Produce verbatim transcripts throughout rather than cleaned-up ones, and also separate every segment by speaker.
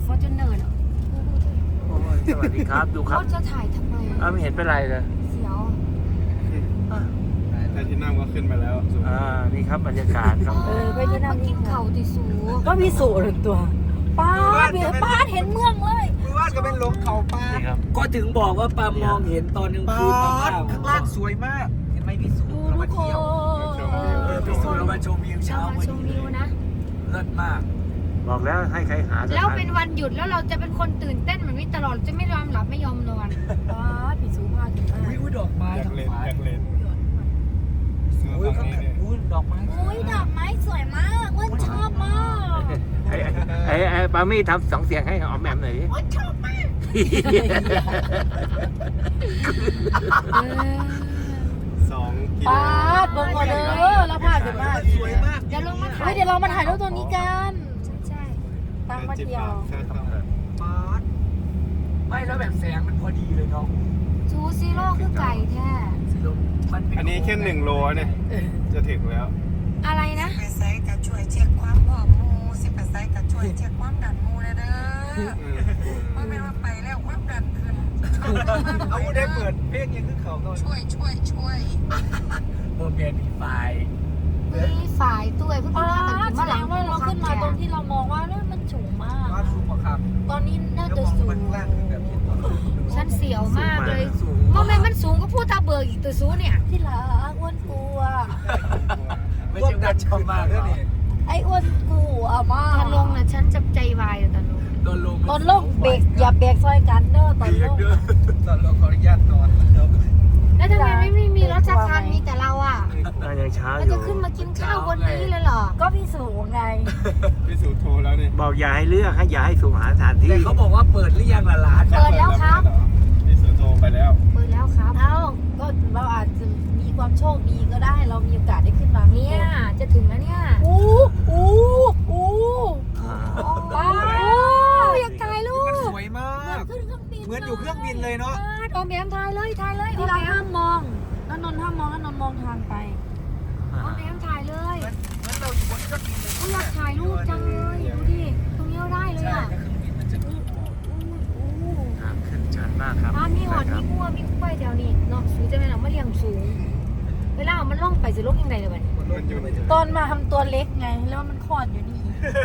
Speaker 1: ฟอร์จูเนอร์เหรอ
Speaker 2: โอ้ยสวัสดีครับดูครับ
Speaker 1: เขาจะถ่ายทำไม
Speaker 2: อ้าวไม่เห็นเป็นไรเลย
Speaker 1: เสียว
Speaker 3: แต่ที่นั่งก็ขึ้นไปแล้ว
Speaker 2: อ่านี่ครับบรรยากาศครับ
Speaker 1: เออไปที่นั่งกินเข่าติสู
Speaker 4: ก็มีสูตรตัวป้าเบียป้าเห็นเมืองเลย
Speaker 3: คือว่าก็เป็นลงเขาป้า
Speaker 2: นี่ครับ
Speaker 5: ก็ถึงบอกว่าปามองเห็นตอนกลางคืนมาก
Speaker 3: ข้างล่างสวยมาก เห็นไหมพี่สู
Speaker 4: ดู
Speaker 3: เรา
Speaker 4: ทุ
Speaker 3: มาก
Speaker 4: ค
Speaker 3: เที่ยว
Speaker 4: น
Speaker 5: เออไปสู่เรามาชมวิว
Speaker 1: เรา
Speaker 5: เช้า
Speaker 1: มา
Speaker 5: วัน
Speaker 1: ชม
Speaker 5: นี้
Speaker 1: วิวนะ
Speaker 5: เลิศมาก
Speaker 2: บอกแล้วให้ใครหาสถา
Speaker 1: แล้วเป็นวันหยุดแล้วเราจะเป็นคนตื่นเต้นเหมือนวิตลอดจะไม่ยอมหลับไม่ยอมนอน
Speaker 4: ป้าผีสูพาถึงมาก
Speaker 5: อุ้ยดอกไม้
Speaker 3: อยาก
Speaker 5: ทั้ง
Speaker 3: เล่น
Speaker 5: ฟ้า
Speaker 3: อยากเล่นเสื้อ
Speaker 5: อุ้ย
Speaker 3: ฝั่
Speaker 5: ข้าง ง
Speaker 3: นี้เนี่ย
Speaker 5: อุ้ยดอกไม้
Speaker 4: อุ้ยดอกไม้สวยมากอ้วนชอบมาก
Speaker 2: ไอ้ไอ้ไอ้ปามี่ทำสองเสียงให้ออมแอมหน่อยดิ
Speaker 4: อ้วนชอบมาก
Speaker 1: เออ
Speaker 3: สองกิโล
Speaker 4: ป้าเบิ่งก่อนเด้อแล้วพาถึงมาก
Speaker 3: สวยมาก
Speaker 1: เดี๋ยวลงมาถ่า
Speaker 4: เฮ้
Speaker 1: ย
Speaker 4: ยเดี๋ยวเรามาถ่ายรูปตัวนี้กัน
Speaker 1: ใช่
Speaker 4: ตั้งมาเที่ยว
Speaker 3: ค่าเข้า
Speaker 5: ป๊าดไม่แล้วแบบแสงมันพอดีเลยเนาะ
Speaker 1: ๆซูซีโร่คือไก่แท้
Speaker 5: สิลมมันเป็
Speaker 3: อันนี้แค่หนึ่งโลเนี่ย จะถึงแล้ว
Speaker 1: อะไรนะ
Speaker 6: ไปไซต์ก็ช่วยเช็คความผอมหมูสิไปไซต์ก็ช่วยเช็คความดันหมูเลยเด้อเพราะไม่ว่าไปแล้วความดันขึ้น
Speaker 3: เอาได้เปิดเพลงยังขึ้นเขาก่อน
Speaker 6: ช่วยช่วยช่วย
Speaker 5: โมเมนต์มีไฟ
Speaker 1: มีฝ่ายตู้ไอ้พวก
Speaker 4: ป้า
Speaker 1: นี้มากัน
Speaker 4: แส
Speaker 1: มาห
Speaker 4: ด
Speaker 1: ลัง
Speaker 4: งว่าเราขึ้นมาตรงที่เรามองว่าเนี่ยมันสูงมาก
Speaker 3: บ้านสูงกว่าครับ
Speaker 4: ตอนนี้น่าจะสูง
Speaker 1: ฉันเสียวมากเลยโมเมนต์มันสูงก็พูดตาเบิกอีกตัวสูเนี่ย
Speaker 4: ที่รักอ้วนกลัว
Speaker 5: ไม่ใช่ว่าชอบมากเลย
Speaker 4: ไอ้อ้วนกลัวมาก
Speaker 1: ตอนลงนะฉันจะใจวายเลยตอนลง
Speaker 5: ตอนลง
Speaker 4: ตอนลงเบรกอย่าเบรกซอยกันเด้อตอนลง
Speaker 3: ตอนเราขออนุญาตนอน
Speaker 1: แล้วทำไมไม่มีรถจักรคันมีแต่เราอ่ะ
Speaker 2: อ่ายังเช้า
Speaker 1: เรา
Speaker 2: อยู่
Speaker 1: จะขึ้นมากินข้าวบนนี้เลยเหรอ
Speaker 4: ก็พี่สูงไง
Speaker 3: พี่สูโทรแล้วเนี่ย
Speaker 2: บอกอย่าให้เลือกให้อย่าให้สุ่มหาสถานที่
Speaker 5: แต่เขาบอกว่าเปิดหรือยังล่ะร้าน
Speaker 1: เปิดแล้วครับ
Speaker 3: พี่สูโทรไปแล้ว
Speaker 1: เปิดแล้วครับ
Speaker 4: เอ้าก็เราอาจจะมีความโชคดีก็ได้ เรามีโอกาสได้ขึ้นมา
Speaker 1: เนี่ยจะถึงแล้วเนี่ย
Speaker 4: อู้อู้อู้
Speaker 2: อ่า
Speaker 4: ป้า
Speaker 1: อยากถ่ายรูป
Speaker 3: มันสวยมาก
Speaker 4: ขึ้นเครื่องบิน
Speaker 3: เหมือนอยู่เครื่องบินเลยเนาะ
Speaker 1: โอมแอมถ่ายเลยถ่ายเลยโอ
Speaker 4: ที่
Speaker 1: ม
Speaker 4: เรา
Speaker 1: แอ
Speaker 4: ห้าม มมองแล้วนนท์ห้ามมองแล้วนนท์มองทางไป
Speaker 1: โอมแอมถ่ายเลย
Speaker 3: เหมือนเราอยู่บนเครื่องบินเลย
Speaker 1: อยากถ่ายรูปจังเลยดูดิตรงนี้ได้เลยอ่ะ
Speaker 2: ทางขึ้นชันมากครับ
Speaker 1: ถ้ามีหอดมีมั่วมีกล้วยแถวนี้เนาะสูงจะเป็นหนังมะเรียงสูง เวลามันล่องไปจะล่องยังไงเลยวัน
Speaker 3: มันอยู่
Speaker 4: ตอนมาทำตัวเล็กไง แล้วมันคลอดอยู่นี่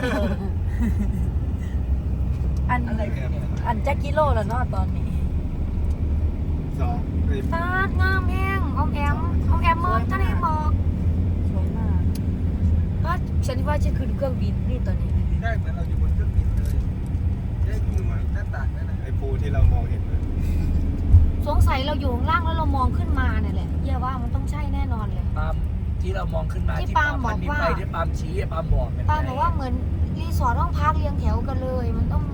Speaker 4: อันอันแจ็คกิโลแล้วเนาะตอนนี้
Speaker 3: สอง
Speaker 1: ตาดงามแห้งออมแอมออมแอมเมินทะเลหมอก
Speaker 4: สวยมาก
Speaker 1: ว่าฉันว่าจะขึ้นเครื่องบินนี่ตอนนี้
Speaker 3: ได้เหมือนเราอยู่บนเครื่องบินเลยได้ดูหน้าต่างนั่นนะไอ้ภูที่เรามองเห็นเลย
Speaker 1: สงสัยเราอยู่ข้างล่างแล้วเรามองขึ้นมาเนี่ยแหละเย่าว่ามันต้องใช่แน่นอนเลย
Speaker 5: ปามที่เรามองขึ้นมา
Speaker 1: ที่
Speaker 5: ที่
Speaker 1: ปาล์ม
Speaker 5: มัน
Speaker 1: บอก
Speaker 5: มี
Speaker 1: ว่า
Speaker 5: ไฟที่ปามชี้อะปามบอกเป็นไง
Speaker 1: ป้าบอกว่าเหมือนรีสอร์ทห้องพักเรียงแถวกันเลย มันต้อง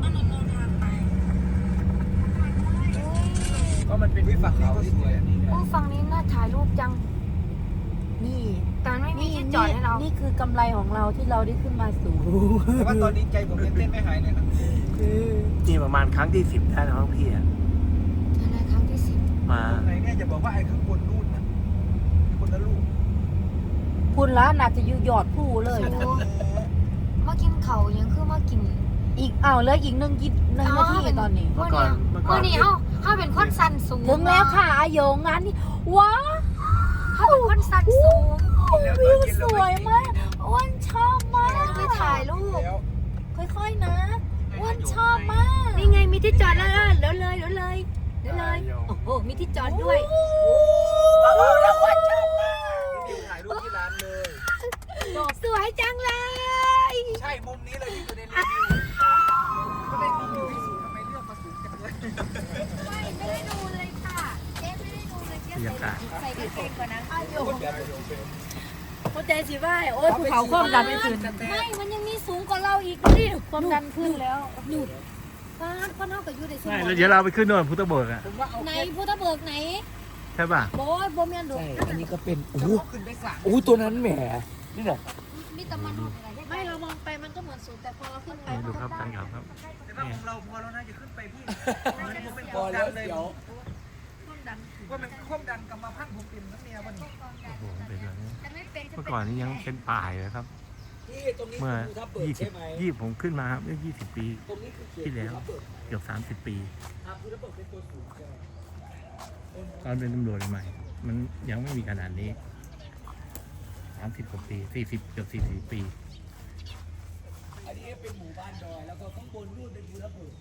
Speaker 5: ก็มันเป็นวิฝั่งเขาที่สวยอันนี้
Speaker 1: โอ้ฝั่งนี้น่าถ่ายรูปจัง
Speaker 4: นี่
Speaker 1: แต่มันไม่มีที่จอดให้เรา
Speaker 4: นี่คือกำไรของเราที่เราได้ขึ้นมาสูง
Speaker 3: แต่ว่าตอนนี้ใจผมยังเต้นไม่หายเลยนะ
Speaker 2: นี่ประมาณครั้งที่สิบได้แล้วครับพี่อะ
Speaker 1: อะไรครั้งที่สิบ
Speaker 2: มา
Speaker 3: ไหนเนี่ยจะบอกว่าไอ้ข้างบนนู่นนะคนละลูก
Speaker 4: คุณละน่าจะอยู่ยอดผู้เลย
Speaker 1: โอ้มากินเขายังคือมากิน
Speaker 4: อีกอ้าวเหลืออีกหนึ่งกิหนึ่งนาทีตอนนี้
Speaker 2: เมื่อก่อนเมื่อก่
Speaker 1: เมื่
Speaker 2: อ
Speaker 1: อน นี้เอ้าถ้าเป็นคนสันสูง
Speaker 4: ถึงแล้วค่ะอาโยงงานนี้ว้าว
Speaker 1: ถ้าเป็นคนสันสูง
Speaker 4: วิวสวยมากอ้วนชอบมาก
Speaker 1: ไปถ่ายรูป
Speaker 3: แล้ว
Speaker 4: ค่อยๆนะอ้วนชอบมาก
Speaker 1: นี่ไงมีที่จอดแล้วเดี๋ยวเลยเดี๋ยวเลยเดี๋ยวเลยโอ้โหมีที่จอดด้วย
Speaker 4: แล้วอ้วนชอบมาก
Speaker 3: นี่ถ่ายรูปที่ร้านเลย
Speaker 1: สวยจังเลย
Speaker 3: ใช่มุมนี้เลยที่อยู่ในรีวิวก็ได้รีวิวที่สูงทำไมเลือกมาสูงจังเลย
Speaker 1: ไม่ไม่ได้ดูเลยค่ะเจ๊ไม่ได้ดูเลยเจ๊
Speaker 2: บรรยากาศ
Speaker 1: ใส่กางเกงก่อนนะ
Speaker 4: อาโยงเข้าใจสิว่าโอ้ยภูเขาความดันไม่ขึ้น
Speaker 1: ไม่มันยังมีสูงกว่าเราอีกดูดิ
Speaker 4: ความดันขึ้นแล้ว
Speaker 1: หยุดฟาดพ่อเท่ากับยูในสม
Speaker 2: ใช่
Speaker 1: อง
Speaker 2: แล้วเดี๋ยวเราไปขึ้นโน่นพุทธเบิกอะ
Speaker 3: ผมว่าเอา
Speaker 1: ไหนพุทธเบิกไหน
Speaker 2: ใช่ป่ะ
Speaker 1: โบยโบเมียนดู
Speaker 5: ใช่อันนี้ก็เป็นโอ้โห
Speaker 3: ขึ้นได้สาม
Speaker 5: โอ้โหตัวนั้นแหมนี่แหละ
Speaker 1: มีแต่มันอะไรได้
Speaker 4: ไม่เรามองไปมันก็เหมือนสูงแต่พอเราขึ้นไป
Speaker 2: ดูครับทางเขาครับ
Speaker 3: แต่ว่าของเราพอแล้วนะจะขึ้นไปพี่ผมเป็น
Speaker 5: พ
Speaker 3: ค
Speaker 5: อ
Speaker 3: วาม
Speaker 5: แล้
Speaker 3: ดั
Speaker 5: วน
Speaker 3: เลย
Speaker 5: เดี๋ยว
Speaker 4: ความดัน
Speaker 3: ว่ามันความดันกรรมพันธุ์ผมเป็นทั้งเมียวันนี้
Speaker 2: โอ้โหเป็นแบบนี้
Speaker 1: แต่ไม่เป็น
Speaker 2: เมื่อก่อนนี้ยังเป็นป่าอยู่เลยครับ
Speaker 3: เ
Speaker 5: ที่ตรงนี้
Speaker 2: เมื่อ
Speaker 5: คือภูทับเบิก
Speaker 2: ยี่สิ
Speaker 5: ใช่
Speaker 2: บ
Speaker 5: ไหม
Speaker 2: ยี่ผมขึ้นมาครับเมื่อยี่สิบปี
Speaker 5: ตรงนี้คือเขต
Speaker 2: ที่แล้ว
Speaker 5: ภูทับเบิก
Speaker 2: เกือบสามสิบปี
Speaker 5: อ่าภูทับเบิกเป็นตัวสูงใช่ไหม
Speaker 2: ตอนเป็นตำรวจใหม่ มันยังไม่มีขนาดนี้สามสิบกว่าปีสี่สิบเกือบสี่สิบปี
Speaker 5: อันนี้เป็นหมู่บ้านดอยแล้วก็ข้างบนนู่นเป็นภูทับเบิก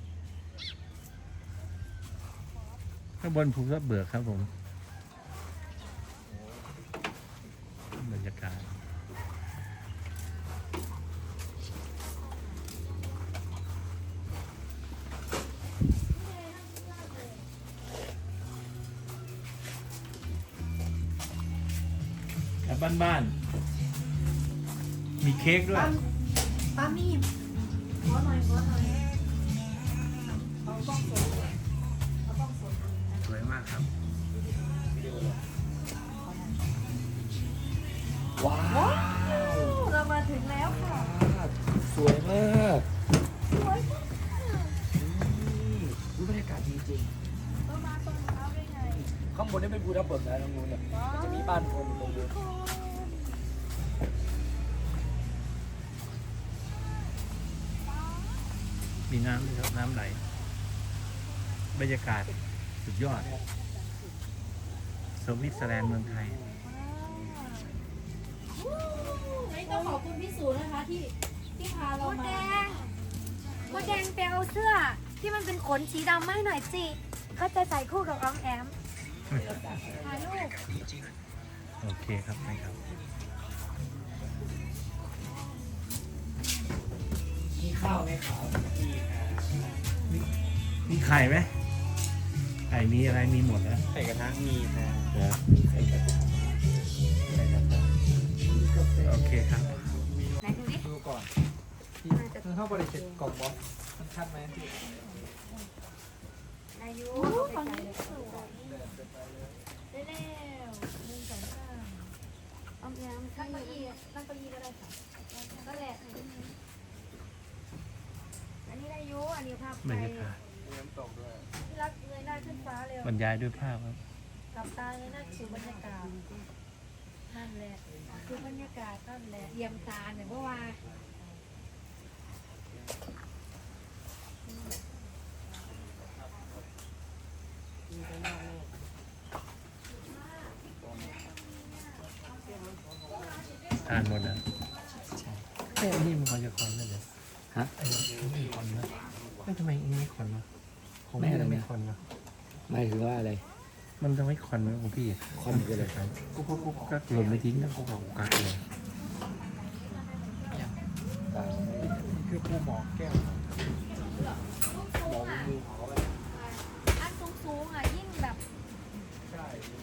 Speaker 2: ข้างบนภูทับเบิกครับผมบรรยากาศแบบบ้านๆมีเค้กด้วย
Speaker 1: ป้ามีขอหน่อยขอหน่อย
Speaker 2: สวยมากครับ
Speaker 5: ว้าว
Speaker 1: เรามาถึงแล้วค่ะ
Speaker 5: สวยมาก
Speaker 1: สวยมาก
Speaker 5: รู้บรรยากาศดีจริง
Speaker 1: เรามาตรงเช้าได้ไง
Speaker 5: ข้างบนนี่เป็นภูทับเบิกนะตรงนู้นเนี่ยมันจะมีบ้านคนอยู่ตรงนู้น
Speaker 2: มีน้ำด้วยครับน้ำไหล บรรยากาศสุดยอด สวิตเซอร์แลนด์เมืองไทย
Speaker 4: ไม่ต้องขอบคุณพี่สูนะคะที่ที่พาเรา
Speaker 1: มดแด
Speaker 4: มาง
Speaker 1: มดแดงไปเอาเสื้อ ที่มันเป็นขนสีดำมาให้หน่อยสิเขาจะใส่คู่กับออมแอมถ่ายรูป
Speaker 2: โอเคครับได้ครับ
Speaker 5: มีข้าวไหมครับมี
Speaker 2: มีไข่ไหมไข่มีอะไรมีหมดนะ
Speaker 3: ไข่กระทะมีนะ
Speaker 2: เดี๋ยว
Speaker 5: ไข่กระทะ
Speaker 3: ไข่กระทะ
Speaker 5: มีกาแฟ
Speaker 2: โอเคครับ
Speaker 1: ไหนดูดิ
Speaker 3: ดูก่อนที่คือเข้าบริเวณกล่องบอสมันชัดไหมที่
Speaker 1: อายุ
Speaker 4: ฝั่งนี้สวยได้แล้วหนึ่งสองสาม
Speaker 1: ออมแอม
Speaker 4: นั่
Speaker 1: นั่
Speaker 4: ง
Speaker 1: ง
Speaker 4: เก้า
Speaker 1: เก้า
Speaker 4: อี้
Speaker 1: อี้
Speaker 4: นั่งเก้าอี้ก็ได้ค่ะ
Speaker 1: ก็แหละอันนี้ได้อายุอันนี้ภาพ
Speaker 2: บ
Speaker 1: ไป
Speaker 2: รรยากาศ
Speaker 3: มีน้ำตกด้วย
Speaker 1: ที่รักเงยหน้าขึ้นฟ้าเร็ว
Speaker 2: บรรยายด้วยภาพครับ
Speaker 1: กับตาเงยหน้าสู่บรรยากาศนั่นแหละคือบรรยากาศนั่นแหละเยี่ยมตาเนี่ยเพราะว่า
Speaker 2: ทานหมดนะแค่นี้มันควรจะคอนได้เลย
Speaker 5: ฮะ
Speaker 2: ไอ้นี่ไม่คอนนะไม่ทำไมอันนี้ไม่คอนวะของ
Speaker 5: ไม่
Speaker 2: พี่
Speaker 5: อะไรนะ
Speaker 2: ไม่คอนวะ
Speaker 5: หมายถึงว่าอะไร
Speaker 2: มันจะไม่คอนไหมของพี่
Speaker 5: คอนคืออะไร
Speaker 2: กุ๊กกุ๊กกุ๊กกักหล่นไม่ทิ้งนะกุ๊กกุ๊กกักเลย
Speaker 5: ต่าง
Speaker 3: คือปูหมอแก้ว
Speaker 5: มองมือเขา
Speaker 1: อันสูงๆอ่ะยิ่งแบบ
Speaker 3: ใช่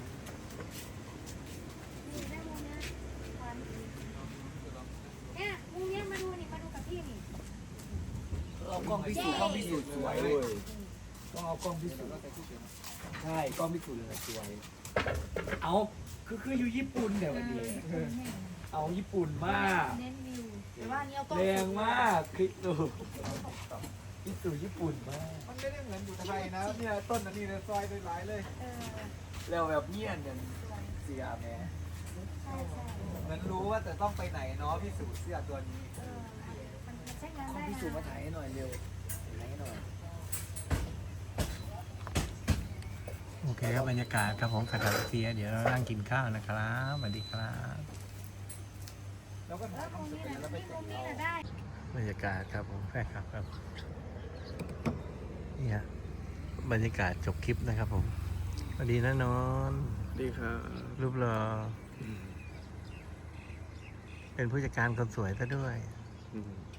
Speaker 1: นี่ได้มุมเนี้ยควันเนี่ยมุมเนี้ยมาดูนี่มาดูกับพี่นี่
Speaker 5: เอากล้องพิสูจน์กล้องพิสูจน์สวยเลยต้องเอากล้องพิสูจน์ใช่กล้องพิสูจน์เลยสวย เอาคือคืออยู่ญี่ปุ่นเดี๋ยววันนี้เอาญี่ปุ่นมาก
Speaker 4: เน้นวิวแต่ว่าอันนี้เอากล้อง
Speaker 5: แรงมากคลิปดูพิสูจน์ญี่ปุ่นมาก
Speaker 3: มันไม่ได้เหมือนอยู่ไทยนะเนี่ยต้นอันนี้เลยซอยด้วยหลายเลย
Speaker 1: เออ
Speaker 5: แล้วแบบเงียบกันเสียแม่
Speaker 1: ใช่ใช่
Speaker 3: เหมือนรู้ว่าแต่ต้องไปไหนเนาะพี่สูเสื้อตัวนี้
Speaker 1: เออมันใช้งาน
Speaker 5: กล้อง
Speaker 1: ได้
Speaker 5: พิสูจน์มา
Speaker 1: นะ
Speaker 5: ถ่ายให้หน่อยเร็วถ่ายให้หน่อย
Speaker 2: โอเคครับบรรยากาศครับผมขัดเสียเดี๋ยวเรานั่งกินข้าวนะครับสวัสดีครับ
Speaker 3: แล้วก็
Speaker 1: เอ
Speaker 3: ถ่า
Speaker 1: อย มุม
Speaker 3: ทำเสร็
Speaker 1: นี้
Speaker 3: จ
Speaker 1: แหละ
Speaker 3: แล้วไป
Speaker 1: นี่
Speaker 3: เก็
Speaker 1: มุ
Speaker 3: บ
Speaker 1: มนี้
Speaker 3: เอา
Speaker 1: แหละได้
Speaker 2: บรรยากาศครับผมแฟนคลับครับนี่ฮะบรรยากาศจบคลิปนะครับผมสวัสดีนะนอน
Speaker 3: ดีครับ
Speaker 2: รูปหล่อเป็นผู้จัดการคนสวยซะด้วย
Speaker 3: อืม